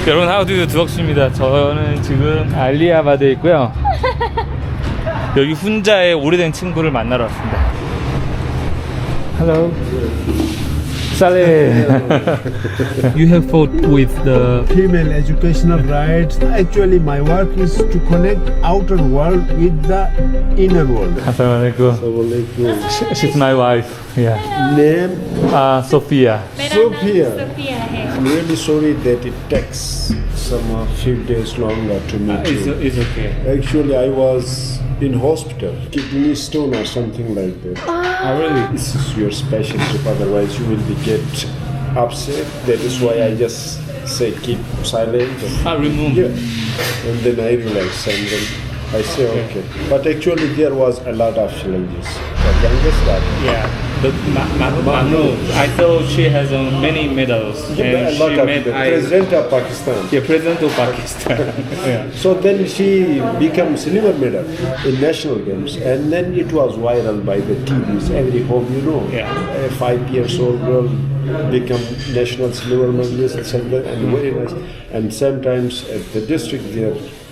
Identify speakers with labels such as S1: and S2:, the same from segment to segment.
S1: 여러분, 하우드 두억씨입니다. 저는 지금 알리아바드에 있고요. 여기 훈자의 오래된 친구를 만나러 왔습니다. Hello. Saleh. You have fought with the
S2: female educational rights. Actually, my work is to connect outer world with the inner world.
S1: Assalamualaikum. She's my wife. Yeah.
S2: Name
S1: Sophia.
S2: Sophia.
S3: Sophia है.
S2: I'm really sorry that it takes some few days longer to meet you.
S1: It's okay.
S2: Actually, I was in hospital, kidney stone or something like that.
S1: Really?
S2: This is your specialty, otherwise you will be get upset. That is why I just say keep silent.
S1: Remove.
S2: Yeah. And then I relax and then I say okay. But actually there was a lot of challenges. The youngest daughter.
S1: Yeah. The Manu. I thought she has many medals.
S2: Yeah, a
S1: And
S2: lot
S1: she
S2: of
S1: met
S2: President of Pakistan.
S1: Yeah, President of Pakistan. Yeah.
S2: So then she became silver medal in national games, and then it was viral by the TVs. Every home, you know,
S1: Yeah.
S2: a 5 years old girl become national silver medalist, and very nice. And sometimes at the district there,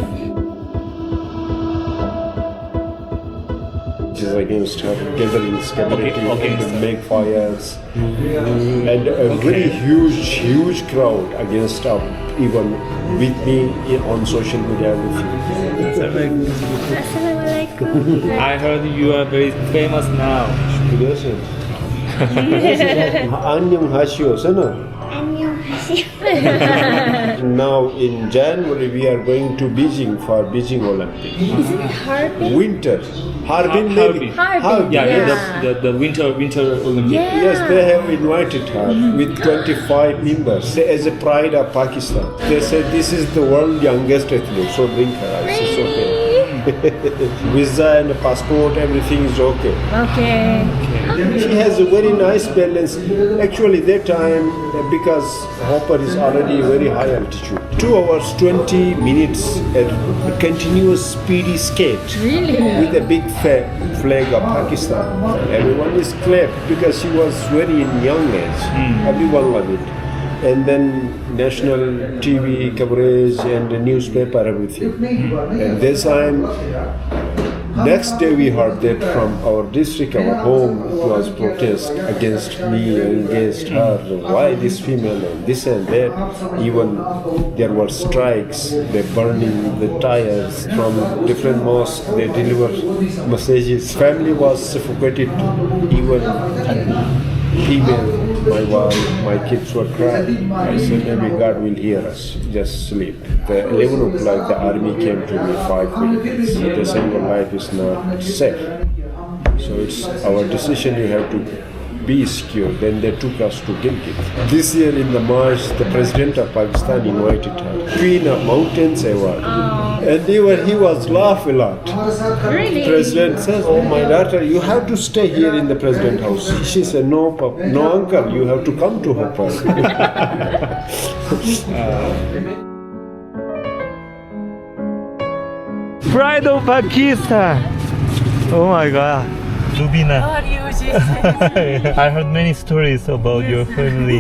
S2: is against her gatherings, community,
S1: against
S2: and
S1: her.
S2: make fires, and a very huge crowd against even with me on social media.
S3: Assalamualaikum.
S1: I heard you are very famous now.
S2: Anyam Hashio, sana. Now in January we are going to Beijing for Beijing Olympics.
S3: Isn't it Harbin?
S2: Winter. Harbin, maybe.
S3: Harbin,
S1: Yeah,
S3: yeah.
S1: the winter Olympic.
S3: Yeah.
S2: Yes, they have invited her with 25 members as a pride of Pakistan. They said this is the world youngest athlete, so bring her. I said, it's okay. Visa and passport, everything is okay.
S3: Okay.
S2: She has a very nice balance. Actually, that time, because Hopper is already very high altitude, 2 hours 20 minutes at continuous speedy skate.
S3: Really?
S2: With a big flag of Pakistan. Everyone is clapped because she was very young age. Everyone loved it. And then national TV coverage and the newspaper, everything. And this time, next day we heard that from our district, our home, it was protest against me and against her. Why this female and this and that. Even there were strikes, they burning the tires from different mosques, they deliver messages. Family was suffocated, even female, my wife, my kids were crying. I said, maybe God will hear us, just sleep. The 11 o'clock, the army came to me 5 minutes. So they said, your life is not safe. So it's our decision, you have to be secure. Then they took us to Gilgit. This year in the March, the President of Pakistan invited her. Queen of Mountains Award. And even he was laughing a lot.
S3: Really?
S2: President says, oh my daughter, you have to stay here in the president house. She said, no, Papa, no uncle, you have to come to her first.
S1: Pride of Pakistan. Oh my God. Rubina. I heard many stories about your family.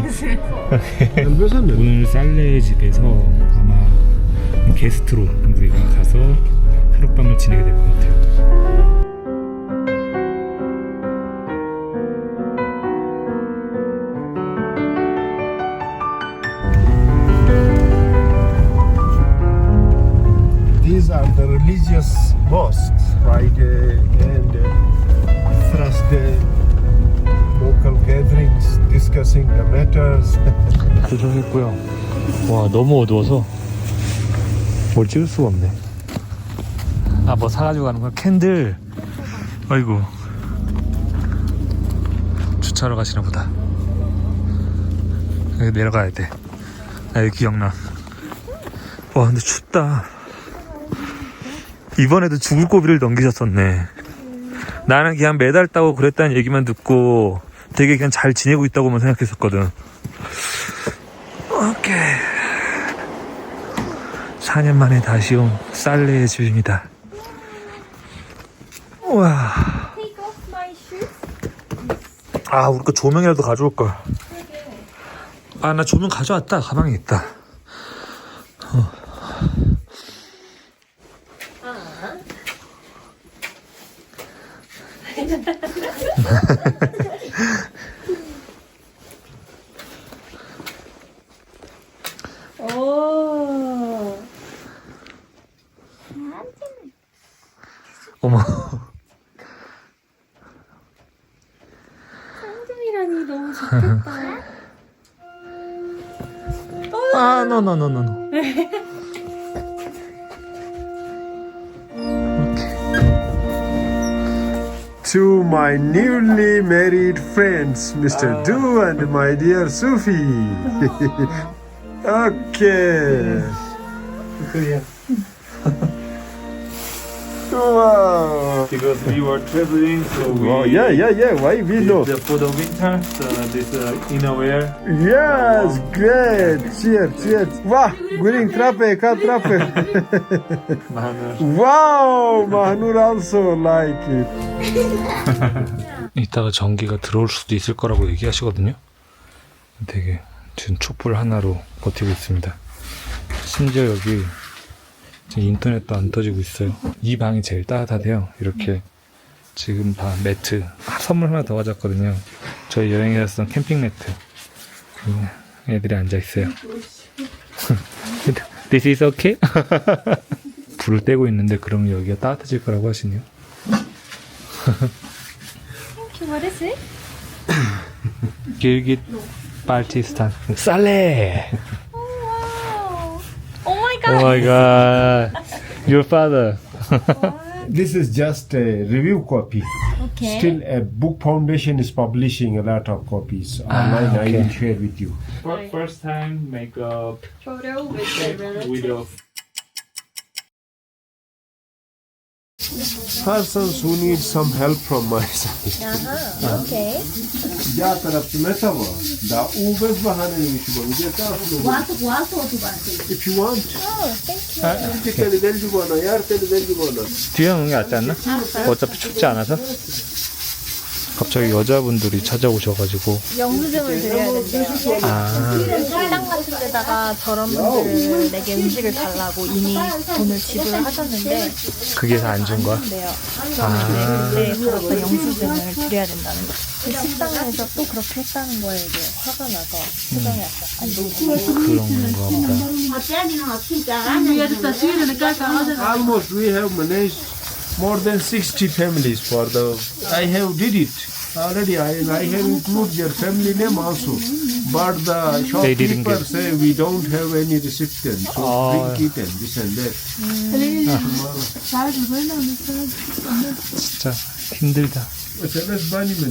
S1: 오늘 살레 집에서 아마 게스트로 우리가 가서 하룻밤을 지내게 될 것 같아요.
S2: These are the religious mosques, Friday and Thursday, local gatherings discussing the matters.
S1: 도착했고요. 와, 너무 어두워서 뭘 찍을 수가 없네. 아, 뭐 사가지고 가는 거야? 캔들. 아이고. 주차하러 가시나 보다. 여기 내려가야 돼. 나 여기 기억나. 와, 근데 춥다. 이번에도 죽을 고비를 넘기셨었네. 나는 그냥 메달 따고 그랬다는 얘기만 듣고 되게 그냥 잘 지내고 있다고만 생각했었거든. 오케이. 4년 만에 다시 온 살레의 집입니다. 우와.
S3: Take off my shoes.
S1: 아, 우리 거 조명이라도 가져올걸. 아, 나 조명 가져왔다. 가방에 있다.
S3: 오.
S1: 어머.
S3: 쌍둥이라니 너무 좋겠다.
S1: 아, 노노노노노.
S2: To my newly married friends, Mr. Du and my dear Sufi. Okay. Wow.
S1: Because we were traveling, so we.
S2: Oh, yeah. Why we know?
S1: For the winter, this innerwear.
S2: Yes, great. Cheers. Wow, going trape, cut trape. Wow, Mahnur also like it.
S1: 이따가 전기가 들어올 수도 있을 거라고 얘기하시거든요. 되게 지금 촛불 하나로 버티고 있습니다. 심지어 여기 지금 인터넷도 안 터지고 있어요. 이 방이 제일 따뜻하대요. 이렇게 지금 다 매트 선물 하나 더 가져왔거든요. 저희 여행에 갔던 캠핑 매트. 애들이 앉아 있어요. This is okay? 불을 떼고 있는데 그럼 여기가 따뜻해질 거라고 하시네요.
S3: What is it?
S1: 길깃 발티스탄 살레.
S3: Oh my
S1: Oh my god. Your father.
S2: This is just a review copy.
S3: Okay.
S2: Still, a book foundation is publishing a lot of copies online.
S1: okay.
S2: I will share with you.
S1: First time make a
S3: Photo with the relative.
S1: video.
S2: Persons who need some help from my side.
S3: Okay.
S2: Ya taraf metava. Da ubes bahane nişi bu. If you want.
S3: Oh, thank you.
S2: Teli velgi bana. Yar teli velgi bana.
S1: 뒤에 오는 게 낫지 않나? 어차피 춥지 않아서? 갑자기 여자분들이 찾아오셔가지고
S3: 영수증을 드려야 된대요. 식당 같은 데다가 저런 분들에게 음식을 달라고 이미 돈을 지불하셨는데
S1: 그게 다 안 준 거야?
S3: 돼요. 그런데 그때 바로 영수증을 드려야 된다는 거. 그 식당에서 또 그렇게 했다는 거에 이제 화가 나서 표정이 약간 안 좋고.
S1: 그런가 보다.
S2: Almost we have managed more than 60 families for the. I have did it already. I have included their family name also. But the
S1: They didn't
S2: shopkeeper
S1: get-
S2: say we don't have any recipient, so drink it and this and that.
S1: 진짜 힘들다.
S2: Let's buy him.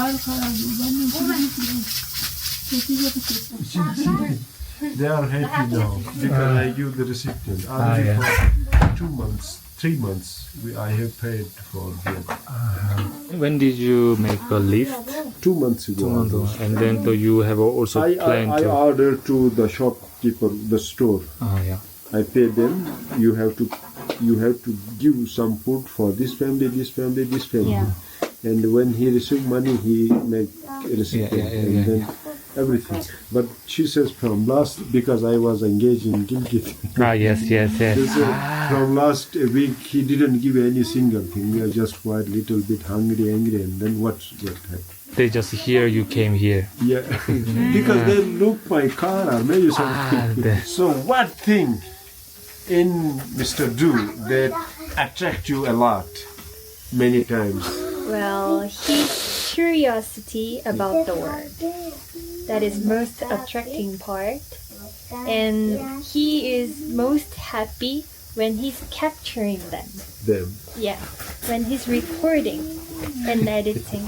S2: They are happy now because I give the recipient. Already
S1: yeah.
S2: for 2 months, 3 months, I have paid for them.
S1: When did you make a list?
S2: 2 months ago.
S1: And then you have also
S2: I
S1: planned to.
S2: ordered to the shopkeeper, the store.
S1: yeah.
S2: I pay them. You have to give some food for this family, this family, this family.
S3: Yeah.
S2: And when he receive money, he make a receipt and then everything. But she says from last, because I was engaged in Gilgit.
S1: Yes.
S2: They say from last week he didn't give any single thing. We are just quite little bit hungry, angry, and then what happened?
S1: They just hear you came here.
S2: Yeah, because they look my car or maybe something.
S1: 네.
S2: So what thing in Mr. Du that attract you a lot, many times?
S3: Well, his curiosity about the world. That is most attracting part. And he is most happy when he's capturing them.
S2: Them.
S3: Yeah, when he's recording and editing.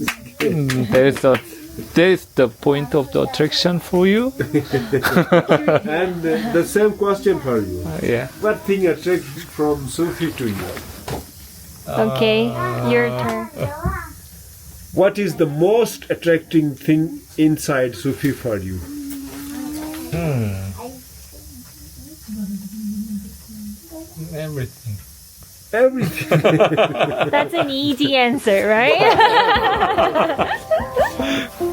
S1: There's the point of the attraction for you.
S2: And the same question for you.
S1: Yeah.
S2: What thing attracts from Sufi to you?
S3: Okay, your turn.
S2: What is the most attracting thing inside Sufi for you?
S1: Everything.
S2: Everything.
S3: That's an easy answer, right?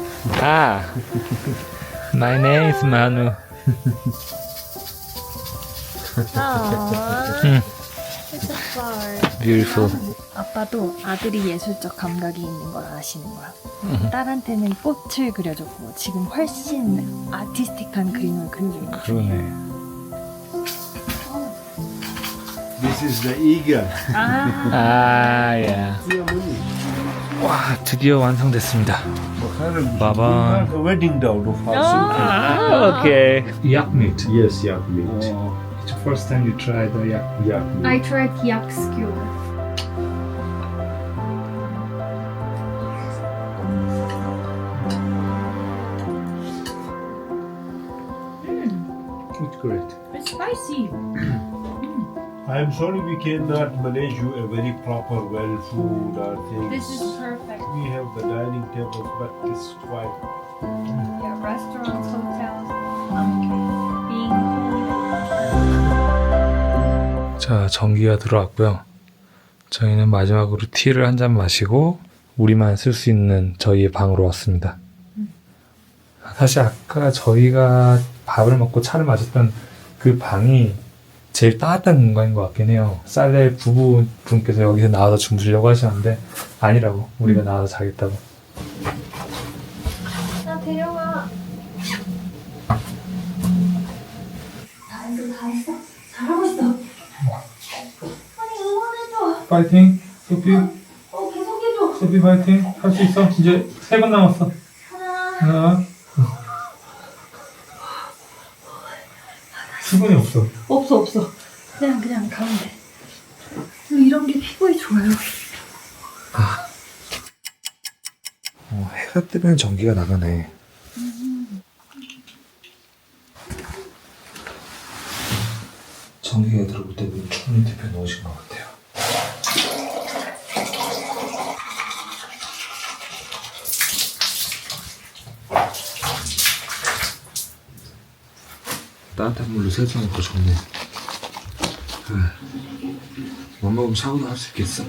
S1: My name is Manu.
S3: Aww. It's a flower.
S1: Beautiful.
S3: 아빠도 아들이 예술적 감각이 있는 걸 아시는 거야. 딸한테는 꽃을 그려줬고 지금 훨씬 아티스틱한 그림을 그려주는 거야.
S1: 그러네.
S2: This is the eagle.
S1: 아, 예. 와, 드디어 완성됐습니다. Baba.
S2: A wedding down of
S1: 아, okay. Yak meat.
S2: Yes, yak meat.
S1: It's the first time you try the yak.
S2: Yak meat.
S3: I tried yak skewer.
S1: It's great.
S3: It's spicy.
S2: I am sorry we cannot manage you a very proper well food or things.
S3: This is perfect.
S2: We have the dining tables, but it's quite.
S3: Yeah, restaurants, hotels. Being
S1: 자, 전기가 들어왔고요. 저희는 마지막으로 티를 한 잔 마시고 우리만 쓸 수 있는 저희의 방으로 왔습니다. 사실 아까 저희가 밥을 먹고 차를 마셨던 그 방이 제일 따뜻한 공간인 것 같긴 해요. 살레 부부분께서 여기서 나와서 주무시려고 하시는데 아니라고, 우리가 나와서 자겠다고.
S3: 나 데려가.
S4: 다 했어? 잘하고 있어. 아니 응원해줘.
S1: 파이팅! 소피!
S4: 계속해줘.
S1: 소피 파이팅! 할 수 있어? 이제 3번 남았어. 하나. 수분이 없어.
S4: 없어. 그냥 가면 돼. 이런 게 피부에 좋아요.
S1: 해가 뜨면 전기가 나가네. 전기가 들어올 때는 커뮤니티 편 넣으신 것 같아요. 따뜻한 물로 세수하니까 좋네. 못 먹으면 샤워도 할 수 있겠어?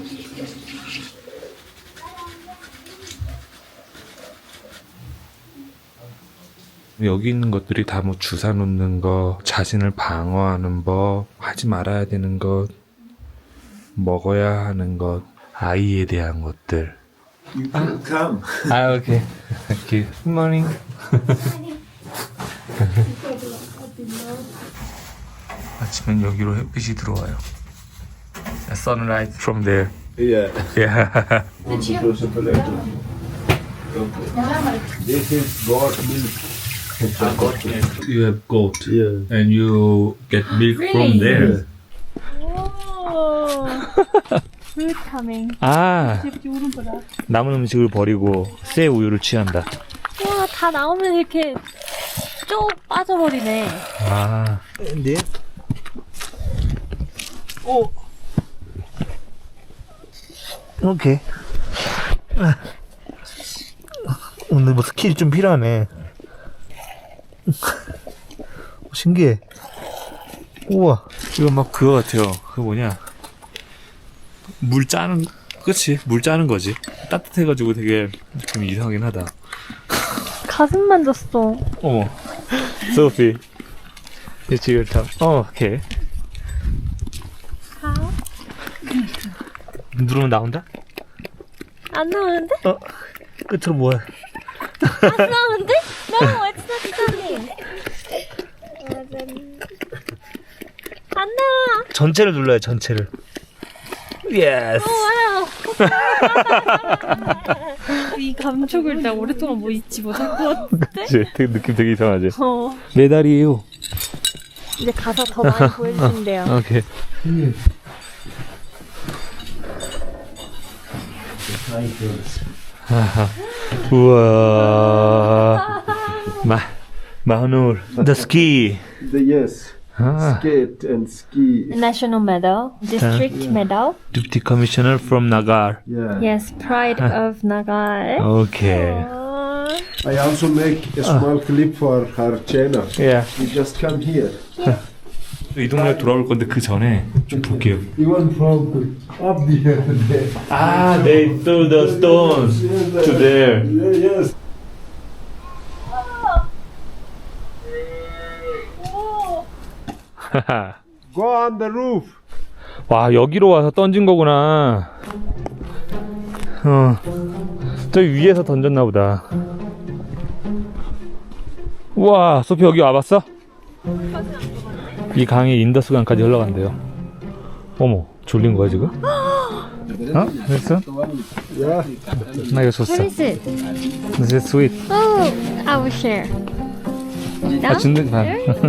S1: 여기 있는 것들이 다 뭐 주사 놓는 거, 자신을 방어하는 법, 하지 말아야 되는 것, 먹어야 하는 것, 아이에 대한 것들.
S2: You can come.
S1: 아, 오케이. Thank you. Good morning. 아침엔 여기로 햇빛이 들어와요. The sunlight from there.
S2: Yeah.
S1: Yeah.
S2: Okay. This is goat milk.
S5: You have goat
S2: Yeah.
S5: and you get milk from there.
S3: Whoa. Food coming.
S1: 아, 남은 음식을 버리고 새 우유를 취한다.
S3: 와, 다 나오면 이렇게 쭉 빠져버리네.
S1: 아,
S6: 네. 오케이. 오늘 뭐 스킬이 좀 필요하네. 신기해. 우와.
S1: 이거 막 그거 같아요. 그 뭐냐. 물 짜는, 그치? 물 짜는 거지. 따뜻해가지고 되게 좀 이상하긴 하다.
S3: 가슴 만졌어.
S1: 어머. 소피. It's your turn. 오케이. 누르면 나온다?
S3: 안 나오는데?
S6: 끝으로 뭐야?
S3: 안 나오는데? No, it's not coming. 안 나와.
S6: 전체를 눌러요, 전체를. 예스.
S3: 와우. 이 감촉을 나 오랫동안 뭐 잊지 못할 것 같아.
S1: 그치? 되게 느낌 되게 이상하지?
S3: 어.
S1: 메달이에요.
S3: 이제 가서 더 많이 보여주신대요.
S1: 오케이. 우와. 마누르. The ski.
S2: Yes.
S1: 아.
S2: Skate and ski.
S3: National medal, district medal.
S1: Deputy Commissioner from Nagar.
S2: Yeah.
S3: Yes, pride of Nagar.
S1: 오케이.
S2: I also make a small clip for her channel.
S1: Yeah.
S2: You just come here.
S1: 이 동네 돌아올 건데 그 전에 좀 볼게요.
S2: Even from up there.
S1: 아, they threw the stones to there.
S2: Yeah, yes. Go on the roof.
S1: 와, 여기로 와서 던진 거구나. 저 위에서 던졌나 보다. 우와, 소피 여기 와봤어? 이 강이 인더스강까지 흘러간대요. 어머, 졸린 거야 지금? 어? 됐어? 나 이거 줬어.
S3: What is it?
S1: This is sweet.
S3: Oh, I will share.
S1: 아, 준대 반.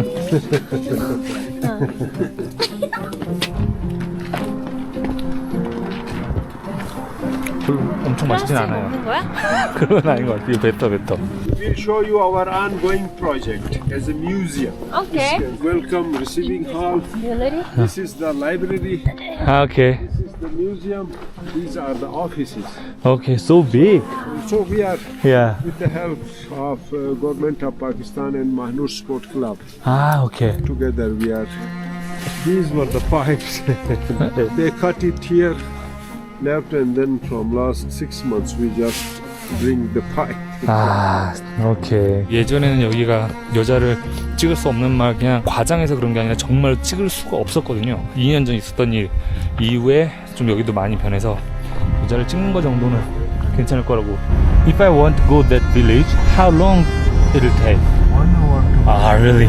S1: 엄청 맛있진 않아요.
S3: 먹는 거야?
S1: 그런 건 아닌 것 같아요. 뱉어.
S2: We'll show you our ongoing project as a museum.
S3: Okay.
S2: Welcome receiving hall.
S3: Really?
S2: This is the library.
S1: 아, 오케이.
S2: This is the museum. These are the offices.
S1: 오케이, so big.
S2: So we are,
S1: Yeah.
S2: with the help of government of Pakistan and Mahnur Sport Club,
S1: 아, 오케이.
S2: together we are. These were the pipes. They cut it here, left, and then from last 6 months we just bring the pipe.
S1: 아, 오케이. 예전에는 여기가 여자를 찍을 수 없는 말 그냥 과장해서 그런 게 아니라 정말 찍을 수가 없었거든요. 2년 전 있었던 일 이후에 좀 여기도 많이 변해서 여자를 찍는 거 정도는 괜찮을 거라고. If I want to go that village, how long it'll take?
S2: 1 hour.
S1: 아, really?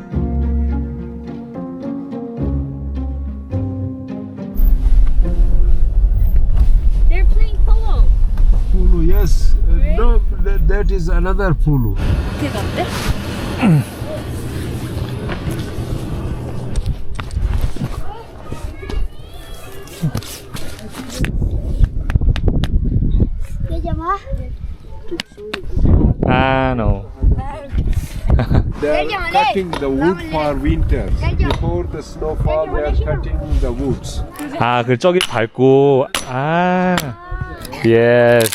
S3: They're playing polo.
S2: Pulu, yes. No, that is another Pulu.
S3: 어떻게 갔대?
S1: 아, no.
S2: They are cutting the wood for winter. Before the snowfall, they are cutting the woods.
S1: 아, 그 저기 밟고. 아, yes.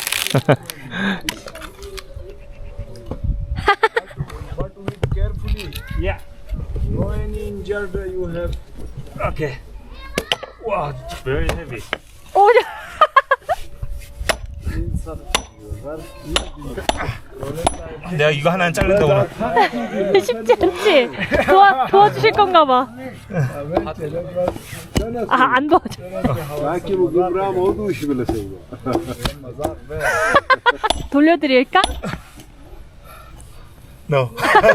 S2: But with carefully.
S1: Yeah.
S2: No any injured you have.
S1: Okay. Wow, very heavy.
S3: 오,
S1: 내가 이거 하나는 자른다 오늘.
S3: 쉽지 않지? 도와주실 건가 봐. 아, 안 도와줘.
S2: Belki bu gram olduğu işi bile seviyor.
S3: 돌려드릴까?
S1: No.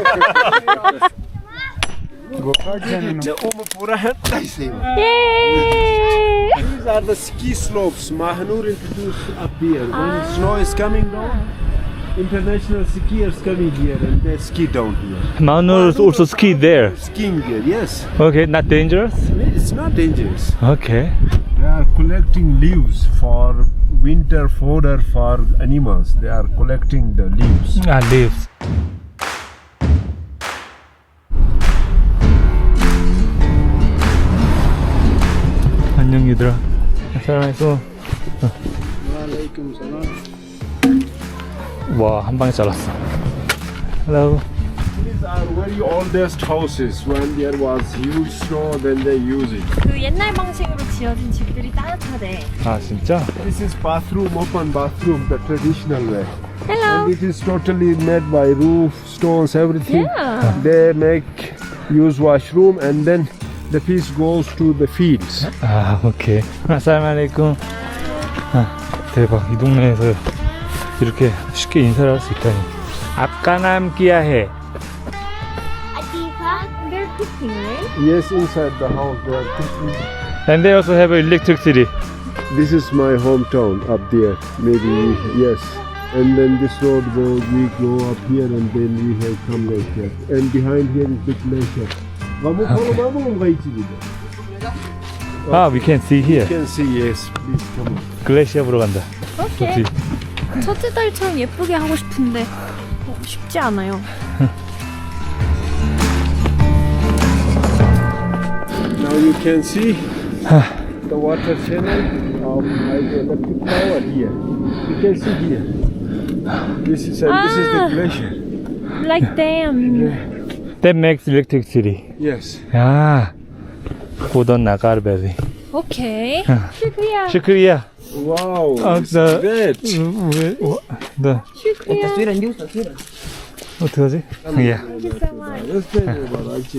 S2: Umu pura hatta seviyor.
S3: 예.
S2: These are the ski slopes Mahnur introduced up here. When snow is coming down, international skiers coming here and they ski down here.
S1: Mahnur also ski there.
S2: Skiing here, yes.
S1: Okay, not dangerous?
S2: It's not dangerous.
S1: Okay.
S2: They are collecting leaves for winter fodder for animals. They are collecting the leaves.
S1: 아, leaves. 안녕 얘들아. 사랑해서. 와, 한 방에 잘랐어. Hello.
S2: These are very oldest houses. When there was huge snow, then they use it.
S3: 그 옛날 방식으로 지어진 집들이 따뜻하대.
S1: 아, 진짜?
S2: This is bathroom, open bathroom, the traditional way.
S3: Hello.
S2: And it is totally made by roof, stones, everything.
S3: Yeah.
S2: They make use washroom and then the piece goes to the fields.
S1: 아, 오케이. 아살말레이쿰. 아, 대박. 이 동네에서 이렇게 쉽게 인사를 할 수 있다니. 앞가남 끼야해.
S3: They're cooking, right?
S2: Yes, inside the house they are cooking.
S1: And they also have electricity.
S2: This is my hometown up there. Maybe yes. And then this road goes, we go up here and then we have come like that. And behind here is the glacier.
S1: 아, we can see here.
S2: You can see, yes, please come on.
S1: 글래시아 보러 간다.
S3: 오케이. 첫째 딸처럼 예쁘게 하고 싶은데 쉽지 않아요.
S2: Now you can see the water channel of hydroelectric power here. You can see here. This is the glacier.
S3: Like dam.
S1: That makes electricity.
S2: Yes.
S1: 아, 고던 나가르베리.
S3: 오케이. 슈크리야.
S1: 슈크리야.
S2: Wow,
S1: Oh,
S2: it's
S1: the-
S2: great.
S1: 네.
S3: 슈크리야.
S1: 어떡하지? 예.
S3: Thank you so much.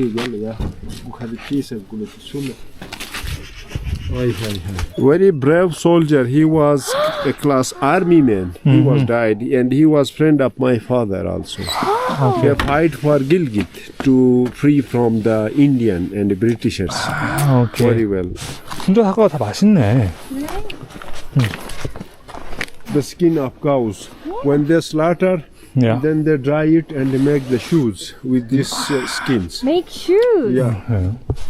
S2: Very brave soldier. He was a class army man. He was died, and he was friend of my father also. He fight for Gilgit to free from the Indian and the Britishers.
S1: 오케이.
S2: Very well.
S1: 순대 사과가 다 맛있네.
S2: The skin of cows. When they slaughter,
S1: Yeah.
S2: then they dry it and they make the shoes with these skins.
S3: Make shoes.
S2: Yeah.
S1: 네.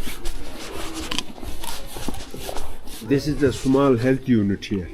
S2: This is a small health unit here.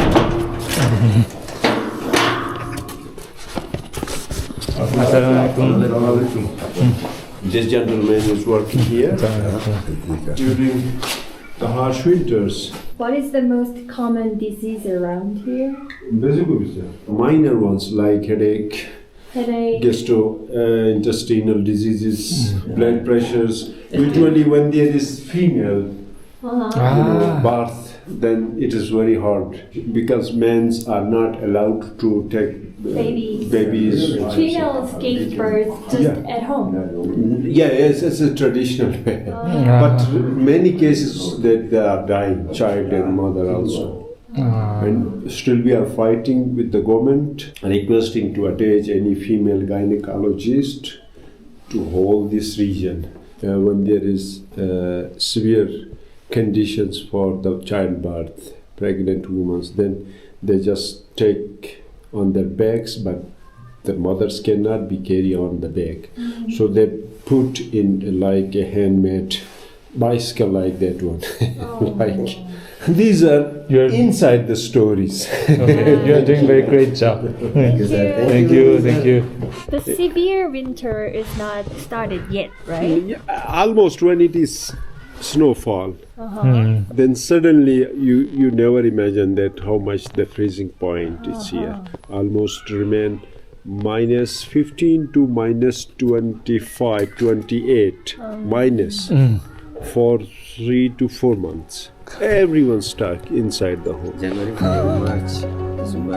S2: This gentleman is working here during the harsh winters.
S3: What is the most common disease around here?
S2: Minor ones like headache,
S3: Headache.
S2: gastrointestinal diseases, blood pressures. Usually when there is female birth, then it is very hard because men are not allowed to take babies.
S3: Females give birth just
S2: Yeah.
S3: at home.
S2: Yeah, it's a traditional way. But many cases that they are dying, child and mother also. And still we are fighting with the government, requesting to attach any female gynecologist to hold this region when there is severe conditions for the childbirth, pregnant women. Then they just take on their backs, but the mothers cannot be carry on the back. So they put in like a handmade bicycle like that one. Like these are inside the stories.
S1: You are doing very great job. Thank you. Thank you.
S3: The severe winter is not started yet, right?
S2: Yeah, almost when it is snowfall, then suddenly you never imagine that how much the freezing point is here. Almost remain minus 15 to minus 25, 28 minus for 3 to 4 months. Everyone's stuck inside the home.
S7: January, February, March, December.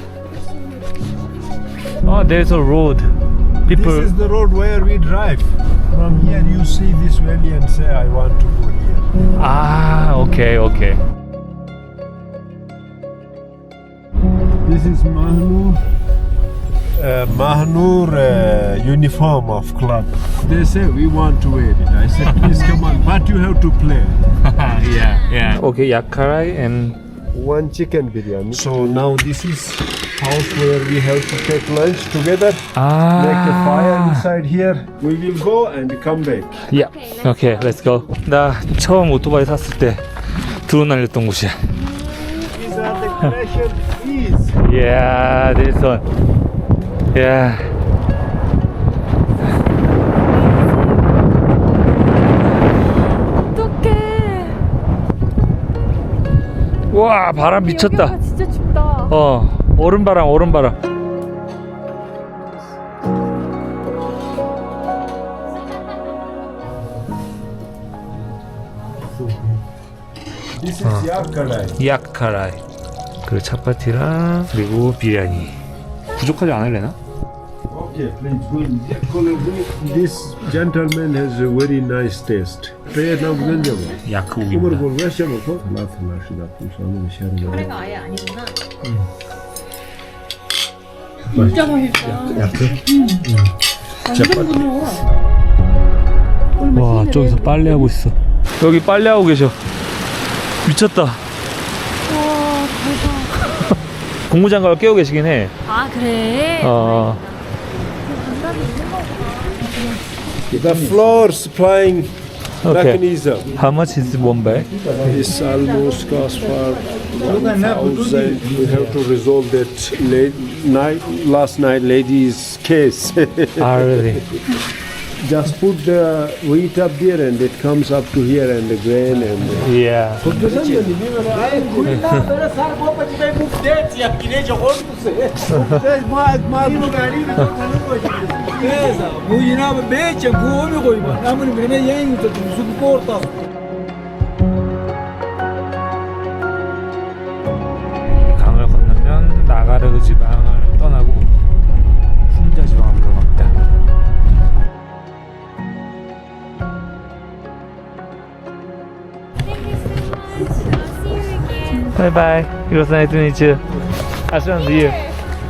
S1: Oh, there's a road. People.
S2: This is the road where we drive. From here you see this valley and say, I want to go here.
S1: 아, 오케이, 오케이.
S2: This is Mahnur uniform of club. They say we want to wear it. I said, please come on, but you have to play.
S1: Yeah. Okay, yakkarai and
S2: One chicken biryani. So now this is house where we have to take lunch together. Make a fire inside here. We will go and come back.
S1: Yeah. Okay, let's go. 나 처음 오토바이 샀을 때 드론 날렸던 곳이야.
S2: These are the glacier fees.
S1: Yeah, this one. Yeah.
S3: 어떡해.
S1: 와, 바람 미쳤다.
S3: 여기가 진짜 춥다.
S1: 얼음바람.
S2: This is yakkalai.
S1: 야카라이. 그리고 차파티랑 그리고 비리아니. 부족하지 않을래나?
S2: Okay, please go in. This gentleman has a very nice taste. Pray now,
S1: 야크국입니다.
S4: 카레가 아예 아니구나. 진짜 맛있다. 완전 부드러워.
S1: 와, 저기서 빨래하고 있어. 여기 빨래하고 계셔. 미쳤다.
S3: 와, 대박.
S1: 공무장갑을 끼고 계시긴 해.
S3: 아, 그래?
S2: The floor supplying mechanism
S1: How much is one bag?
S2: is almost cost for 1,000. We have to resolve that last night lady's case.
S1: Really?
S2: Just put the wheat up there and it comes up to here and the grain and
S1: Yeah. 강을 건너면 나가르 지방을 떠나고 훈자 지방으로
S6: Bye bye. It was nice to meet you. As well as you.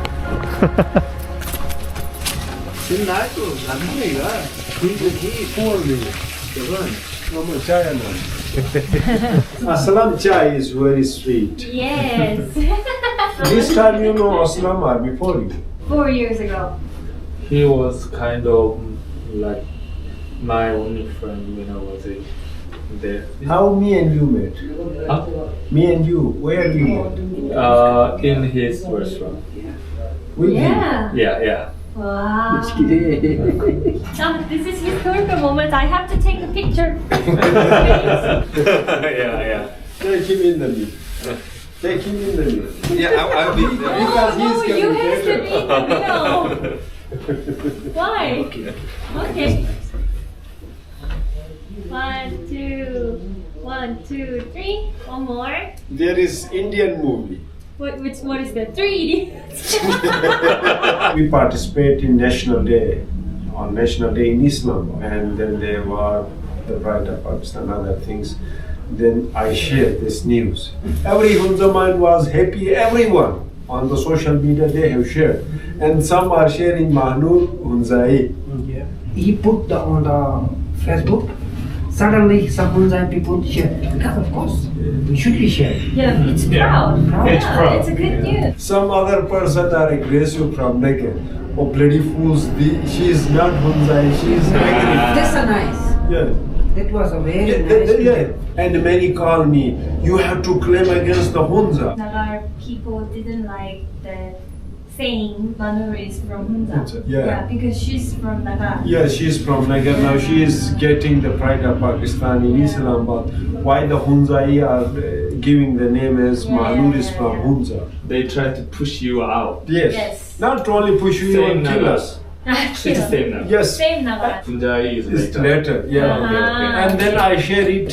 S2: Aslam chai is very sweet.
S3: Yes.
S2: This time you know Aslam or before you?
S3: 4 years ago.
S1: He was kind of like my only friend when I was there.
S2: How me and you met?
S1: Huh?
S2: Me and you, where we met?
S1: In his restaurant.
S2: With
S3: Yeah.
S1: Yeah.
S3: Wow. Oh, this is historical moment. I have to take a picture.
S1: yeah.
S2: Take him in the lead. Take him in the lead.
S5: Yeah, I'll be there.
S2: Because
S3: No,
S2: he's
S3: you
S2: coming
S3: have to
S2: later.
S3: be in the middle. Why? Okay. 1, 2, 3. One more.
S2: There is Indian movie.
S3: What is that? 3.
S2: We participate in National Day, on National Day in Islam, and then there were the Pride of Pakistan, other things. Then I shared this news. Every Hunzaman was happy, everyone on the social media they have shared. And some are sharing Mahnur Hunzai.
S8: He put on the Facebook. Suddenly, some Hunzai people share. Because of course, we should be sharing.
S3: Yeah, it's proud.
S2: It's
S3: Yeah,
S2: proud.
S3: it's a good news.
S2: Some other person are aggressive from Nagar. Oh bloody fools, she is not Hunzai, she is Nagar.
S8: That's a nice.
S2: Yes.
S8: That was a very
S2: Yeah,
S8: nice.
S2: yeah. And many call me, you have to claim against the Hunza.
S3: Nagar people didn't like the saying Manur is from Hunza.
S2: Yeah.
S3: Because she's from Nagar.
S2: Yeah, she's from Nagar. Now she is getting the Pride of Pakistan in Islam, but why the Hunzai are giving the name as Mahnur is from Hunza?
S1: They try to push you out.
S2: Yes.
S3: Yes.
S2: Not only push you,
S1: Same
S2: and kill
S1: Nagar.
S2: us.
S1: It's the same now.
S2: Yes.
S3: Same Nagar.
S1: Punjabi is
S2: It's
S1: later.
S2: later. Yeah.
S3: Ah.
S2: And then I share it.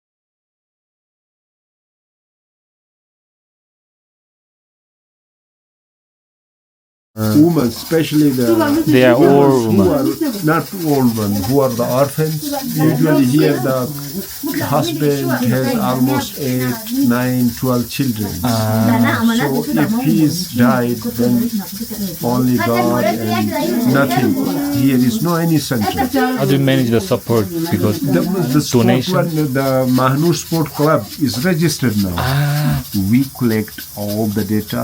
S2: Women, especially
S6: They are all
S2: who
S6: women.
S2: are not old ones, who are the orphans. Usually here the husband has almost 8, 9, 12 children. So if he's died, then only God and nothing. Here is no any center.
S6: How do you manage the support? Because
S2: The sport
S6: donation?
S2: one, the Mahnur Sport Club is registered now. We collect all the data,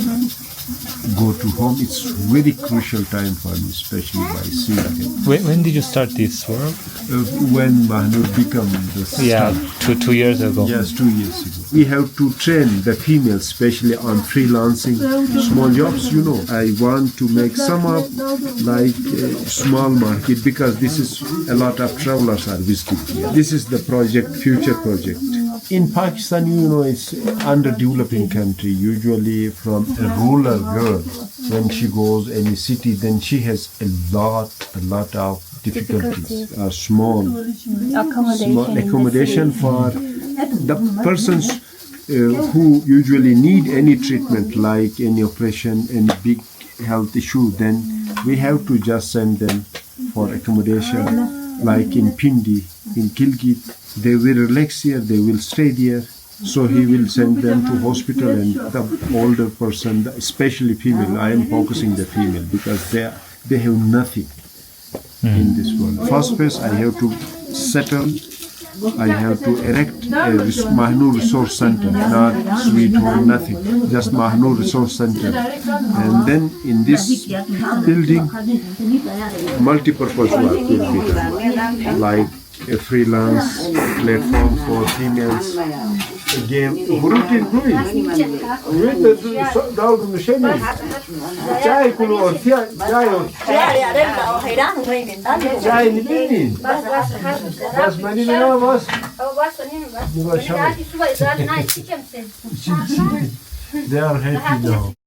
S2: go to home. It's very crucial time for me, especially by seeing him.
S6: when did you start this work?
S2: When Mahnur became the star.
S6: Yeah, two years ago.
S2: Yes, 2 years ago. We have to train the females, especially on freelancing, small jobs. You know, I want to make some up like a small market because this is a lot of travelers are visiting here. This is the project, future project. In Pakistan, you know, it's underdeveloping country. Usually, from a rural girl, when she goes any city, then she has a lot of difficulties. Small accommodation for the persons who usually need any treatment, like any operation, any big health issue. Then we have to just send them for accommodation, like in Pindi, in Gilgit. They will relax here, they will stay there. So he will send them to hospital, and the older person, especially female, I am focusing the female because they have nothing in this world. First place, I have to settle, I have to erect a Mahnur Resource Center, not sweet home, nothing, just Mahnur Resource Center. And then in this building, multi-purpose work will be done, like a freelance platform for females. Game. They are happy now.